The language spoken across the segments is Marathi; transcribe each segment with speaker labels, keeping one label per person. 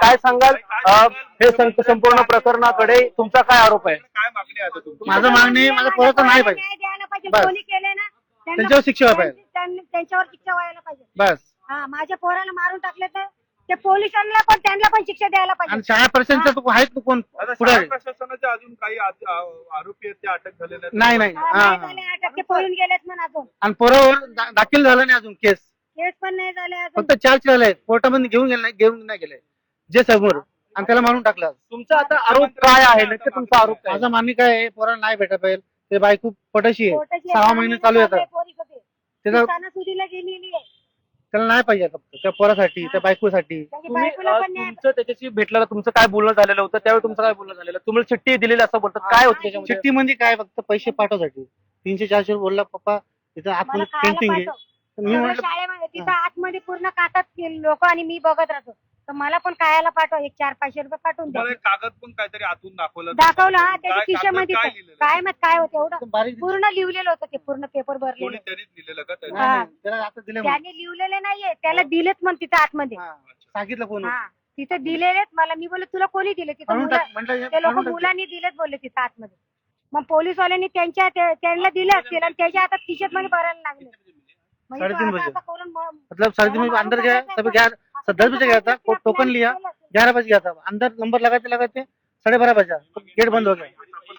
Speaker 1: काय सांगाल हे संपूर्ण प्रकरणाकडे तुमचा काय आरोप आहे?
Speaker 2: काय मागणी आहे आता तुमची?
Speaker 3: माझं मागणी माझं पोराचं नाही पाहिजे,
Speaker 4: न्याय द्यायला पाहिजे.
Speaker 3: बस.
Speaker 4: कोणी केले ना
Speaker 3: त्यांच्यावर शिक्षा व्हायला पाहिजे.
Speaker 4: त्यांच्यावर शिक्षा व्हायला पाहिजे.
Speaker 3: बस.
Speaker 4: हा, माझ्या पोराला मारून टाकले तर ते पोलिसांना पण त्यांना पण शिक्षा द्यायला
Speaker 3: आणि
Speaker 4: पाहिजे.
Speaker 3: शाळा प्रशासनचं तू आहेत तू कोण
Speaker 2: आता
Speaker 3: पुढे?
Speaker 2: शाळा प्रशासनाचे अजून काही आरोपी आहेत ते अटक झालेले आहेत.
Speaker 3: नाही नाही.
Speaker 4: हा,
Speaker 3: हा,
Speaker 4: नाही झाले अटक, ते पळून गेलेत म्हणून अजून
Speaker 3: आणि पोरावर दाखल झालं नाही अजून केस.
Speaker 4: केस पण नाही झाले अजून.
Speaker 3: फक्त चार्ज झाले कोर्टामध्ये घेऊन नाही गेले जे समोर, आणि त्याला मारून टाकलं.
Speaker 1: तुमचा आता आरोप काय आहे? नक्की तुमचा आरोप काय आहे?
Speaker 3: माझा मागणी काय आहे, पोराला नाही भेटा पाहिजे. ते बायको पटाशी आहे,
Speaker 4: कोर्टाची
Speaker 3: 6 महिने चालू येतात. त्याला
Speaker 4: सणासुदीला गेलेली आहे.
Speaker 3: त्याला नाही पाहिजे फक्त त्या पोरासाठी, त्या बायकोसाठी.
Speaker 4: त्याच्या
Speaker 1: तुम्ही
Speaker 4: बायकोला पण न्याय
Speaker 1: तुमचं त्याच्याशी भेटलेलं, तुमचं काय बोलणं झालेलं होतं त्यावेळी, तुमचं काय बोलणं झालेलं? तुम्हाला चिठ्ठी दिलेली असं बोलतात, काय होतं त्याच्यामध्ये?
Speaker 3: चिठ्ठी म्हणजे काय, फक्त पैसे पाठवसाठी 300-400 बोलला पप्पा इथं
Speaker 4: मला
Speaker 3: आतमध्ये
Speaker 4: खायला
Speaker 3: पेंटिंग आहे.
Speaker 4: पाठव.
Speaker 3: तर मी
Speaker 4: सगळं
Speaker 3: म्हटलं
Speaker 4: शाळेमध्ये तिथं आतमध्ये पूर्ण काढतात लोक आणि मी बघत राहतो. तर मला पण खायला पाठव, 100-500 रुपये पाठवून द्या.
Speaker 2: तुम्हाला एक कागद पण काहीतरी आतून दाखवलं
Speaker 4: दाखवलं, हा, त्याच्या
Speaker 2: काय
Speaker 4: खिशामध्ये
Speaker 2: कागदात काय
Speaker 4: होतं.
Speaker 2: लिहिलेलं?
Speaker 4: काय मग काय होतं एवढं
Speaker 3: बारीक
Speaker 4: पूर्ण लिहिलेलं होतं, ते पूर्ण पेपर
Speaker 2: कोणी
Speaker 4: भरलेलं.
Speaker 2: त्यांनीच लिहिलेलं का त्याने?
Speaker 3: नाही, नाही, त्याला आता दिले म्हणून.
Speaker 4: त्याने लिहिलेले नाहीये, त्याला दिलेत मग तिथं आतमध्ये.
Speaker 3: हा, सांगितलं कोण
Speaker 4: हा, तिथं दिलेलेत मला. मी बोलले तुला कोणी दिले? तिथं
Speaker 3: म्हणून
Speaker 4: मुलं-
Speaker 3: म्हटलं
Speaker 4: ते लोक मुलांनी दिलेत बोलले तिथं आतमध्ये. मग पोलीसवाल्यांनी त्यांना दिले असतील आणि त्याच्या हातात खिशात मध्ये भरायला लागले. म्हणजे तो
Speaker 3: 3:30
Speaker 4: असं-
Speaker 3: बजे.
Speaker 4: असं करून
Speaker 3: मतलब 3:30 बजे अंदर गया, सब 10 बजे गया था, टोकन लिया, 11 बजे गया था, अंदर नंबर लगाते 12:30 बजा, गेट बंद हो गया.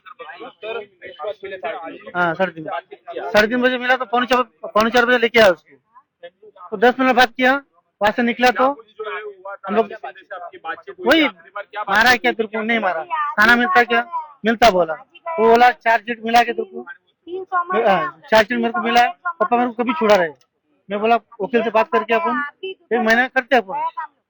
Speaker 3: हाँ 3:30 बजे मिला तो पौने 4 बजे लेके आया उसको. तो 10 मिनट बात किया, वहां से निकला तो हम लोग वही मारा क्या तेरे को? नहीं मारा. खाना मिलता क्या? मिलता बोला. वो बोला चार्जशीट मिला के तेरे को?
Speaker 4: 3 सोमवार
Speaker 3: चार्जशीट मेरे को मिला है, पापा मेरे को कभी छुड़ा रहे. मैं बोला वकील से बात करके अपन 1 महीना करते अपन.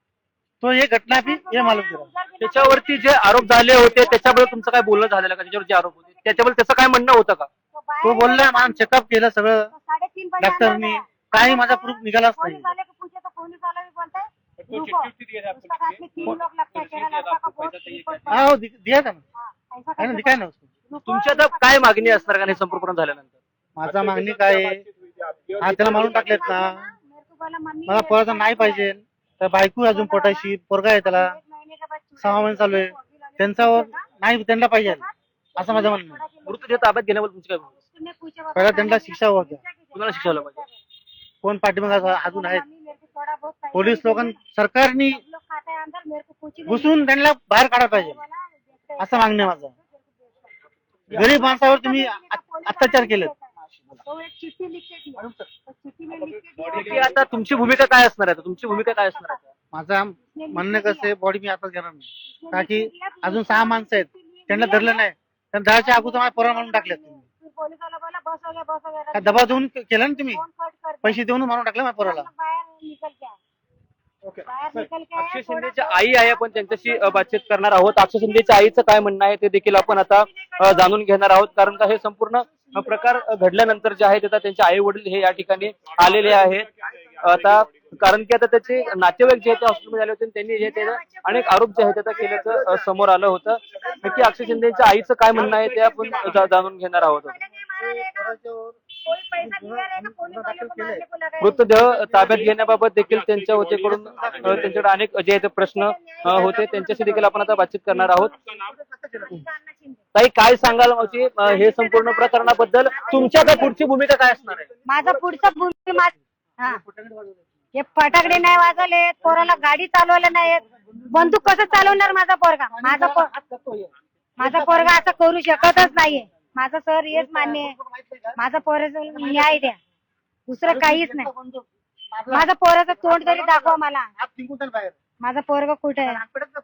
Speaker 3: तो ये घटना भी ये मालूम करा.
Speaker 1: त्याच्यावरती जे आरोप झाले होते त्याच्याबद्दल तुमचं काय बोलणं झालेलं का? त्याच्यावर जे आरोप होते त्याच्याबद्दल त्याचं काय म्हणणं होतं का?
Speaker 3: तो बोलला मला चेकअप केलं सगळं
Speaker 4: 3:30 बजे
Speaker 3: डॉक्टरनी, काही माझा प्रूफ निघालाच नाही.
Speaker 4: पुलिस वाले को पूछे तो पुलिस वाला भी बोलता है रुको, उसका साथ में 3 लोग लगता है, तेरा लड़का का बहुत रिपोर्ट
Speaker 3: हाँ वो दिया था ना,
Speaker 4: हाँ, ऐसा
Speaker 3: है ना,
Speaker 4: करके
Speaker 3: दिखाया ना उसको.
Speaker 4: रुको,
Speaker 1: तुमची आता काय मागणी असणार का हे संपूर्ण झाल्यानंतर?
Speaker 3: माझा मागणी काय आहे, हा त्याला मारून टाकलेत ना.
Speaker 4: मेरे को बोला मम्मी
Speaker 3: मला पोराचा नाही पाहिजे, तर बायको अजून पोटाशी, पोरगा आहे त्याला,
Speaker 4: 1 महीने के बाद
Speaker 3: 6 महिने चालू आहे. त्यांच्यावर नाही, त्यांना पाहिजे असं माझं म्हणणं आहे.
Speaker 1: मृतदेह ताब्यात घेण्याबद्दल तुमची काय भूमिका?
Speaker 4: उसने पूछा बाबा,
Speaker 3: पहिला त्यांना शिक्षा व्हावी.
Speaker 1: कुणाला शिक्षा व्हायला पाहिजे?
Speaker 3: कोण पाठीमागे अजून आहेत
Speaker 4: मम्मी मेरे को थोड़ा बहुत पैसा
Speaker 3: पोलीस
Speaker 4: दे
Speaker 3: लोक,
Speaker 4: दे।
Speaker 3: सरकारनी
Speaker 4: सब लोग खाते हैं अंदर, मेरे को कुछ नहीं
Speaker 3: घुसून त्यांना बाहेर काढायला पाहिजे असं मागणं आहे माझं. गरीब माणसावर तुम्ही अत्याचार केलेत.
Speaker 4: तो एक चिट्ठी लिख के दिया, तो चिट्ठी में लिख के दिया,
Speaker 1: नक्की आता तुमची भूमिका काय असणार आहे? तुमची भूमिका काय असणार आहे?
Speaker 3: माझं म्हणणं कसं आहे, बॉडी मी आताच घेणार नाही, का की अजून 6 माणसं आहेत, त्यांना धरलं नाही. त्यांना धरायच्या अगोदर माझ्या पोराला मारून टाकले.
Speaker 4: फिर पोलीस वाला बोला बस हो गया
Speaker 3: काय दबाव देऊन केलं ना तुम्ही?
Speaker 4: फोन कट कर
Speaker 3: पैसे देऊन मारून टाकलं माझ्या पोराला.
Speaker 4: बाहर निकल के आए, बाहर निकल के आए,
Speaker 1: अक्षय शिंदेच्या आई आहे, आपण त्यांच्याशी बातचीत करणार आहोत. अक्षय शिंदेच्या आईचं काय म्हणणं आहे ते देखील आपण आता जाणून घेणार आहोत, कारण का हे संपूर्ण प्रकार घडल्यानंतर जे आहे ते त्यांचे आई वडील हे या ठिकाणी आलेले आहेत. आता कारण की आता त्याचे नातेवाईक जे आहेत ते हॉस्पिटलमध्ये आले होते आणि त्यांनी जे ते अनेक आरोप जे आहेत ते केल्याचं समोर आलं होतं. नक्की अक्षय शिंदेच्या आईचं काय म्हणणं आहे ते आपण जाणून घेणार आहोत.
Speaker 4: कोई पैसा दिया रहेगा, पुलिस वाले को मारने को लगा है।
Speaker 1: मृतदेह ताब्यात घेण्याबाबत देखील त्यांच्या वतीकडून त्यांच्याकडे अनेक जे आहेत ते प्रश्न होते, त्यांच्याशी देखील आपण आता बातचीत करणार आहोत. ताई काय सांगाल मावशी हे संपूर्ण प्रकरणाबद्दल? तुमच्या आता पुढची भूमिका काय असणार आहे?
Speaker 4: माझा पुढचा भूमिका, हा, हे फटाकडे नाही वाजवले, पोराला गाडी चालवलं नाही, बंदूक कसं चालवणार माझा पोरगा? माझा पोरगा असं करू शकतच नाहीये. माझं सर हेच मान्य आहे, माझा पोराचा न्याय द्या, दुसरं काहीच नाही. माझा पोराचं तोंड तरी दाखवा मला, माझा पोरगा कुठे आहे?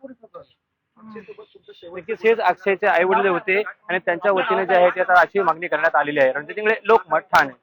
Speaker 1: नक्कीच हेच अक्षयचे आई वडील होते आणि त्यांच्या वतीने जे आहे ते आता अशी मागणी करण्यात आलेली आहे. रणजित इंगळे, लोकमत, ठाणे.